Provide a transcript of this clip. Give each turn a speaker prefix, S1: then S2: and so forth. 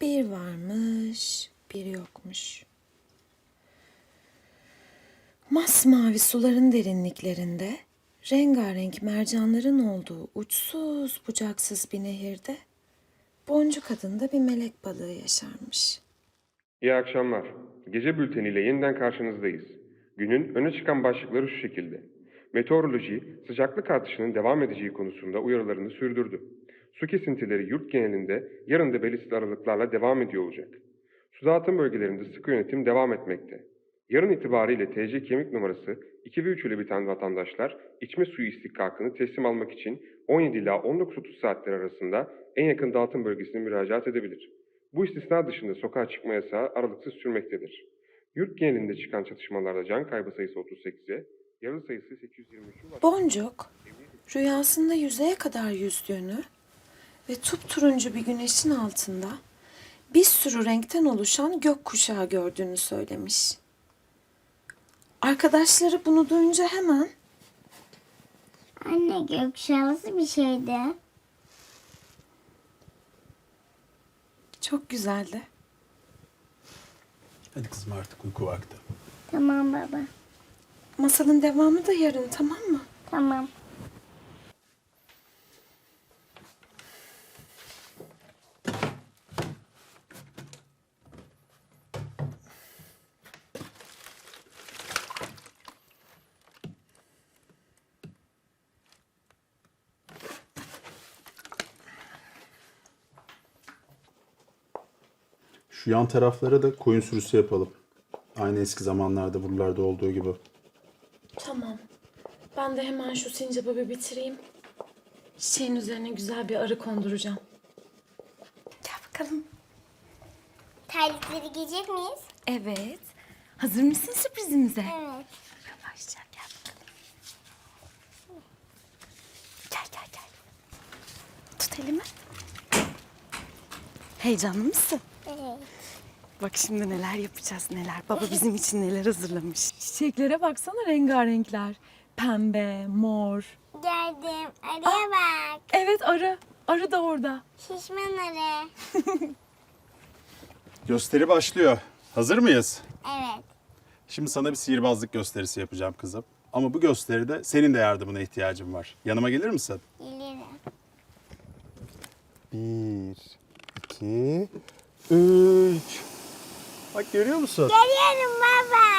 S1: Bir varmış, bir yokmuş. Masmavi suların derinliklerinde, rengarenk mercanların olduğu uçsuz bucaksız bir nehirde, Boncuk adında bir melek balığı yaşarmış.
S2: İyi akşamlar. Gece bülteniyle yeniden karşınızdayız. Günün öne çıkan başlıkları şu şekilde. Meteoroloji, sıcaklık artışının devam edeceği konusunda uyarılarını sürdürdü. Su kesintileri yurt genelinde yarın da belirsiz aralıklarla devam ediyor olacak. Su dağıtım bölgelerinde sıkı yönetim devam etmekte. Yarın itibariyle TC kimlik numarası 2 ve 3 ile biten vatandaşlar içme suyu istihkakını teslim almak için 17 ila 19.30 saatleri arasında en yakın dağıtım bölgesine müracaat edebilir. Bu istisna dışında sokağa çıkma yasağı aralıksız sürmektedir. Yurt genelinde çıkan çatışmalarda can kaybı sayısı 38'e, yaralı sayısı 823'ü var.
S1: Boncuk, rüyasında yüzeye kadar yüzdüğünü ve turuncu bir güneşin altında bir sürü renkten oluşan gökkuşağı gördüğünü söylemiş. Arkadaşları bunu duyunca hemen
S3: Anne, gökkuşağı nasıl bir şeydi?
S1: çok güzeldi.
S4: Hadi kızım artık uyku vakti.
S3: Tamam baba.
S1: Masalın devamı da yarın, tamam mı?
S3: Tamam.
S4: Şu yan taraflara da koyun sürüsü yapalım. Aynı eski zamanlarda buralarda olduğu gibi.
S1: Tamam. Ben de hemen şu sincabı bir bitireyim. Çiçeğin üzerine güzel bir arı konduracağım. Gel bakalım.
S3: Terlikleri giyecek miyiz?
S1: Evet. Hazır mısın sürprizimize?
S3: Evet.
S1: Yavaşça gel bakalım. Gel. Tut elimi. Heyecanlı mısın?
S3: Evet.
S1: Bak şimdi neler yapacağız neler. Baba bizim için neler hazırlamış. Çiçeklere baksana, rengarenkler. Pembe, mor.
S3: Geldim. Arıya bak.
S1: Evet, arı. Arı da orada.
S3: Şişman arı.
S4: Gösteri başlıyor. Hazır mıyız?
S3: Evet.
S4: Şimdi sana bir sihirbazlık gösterisi yapacağım kızım. Ama bu gösteride senin de yardımına ihtiyacım var. Yanıma gelir misin?
S3: Gelirim.
S4: 1, 2, 3. Bak görüyor musun?
S3: Geliyorum baba.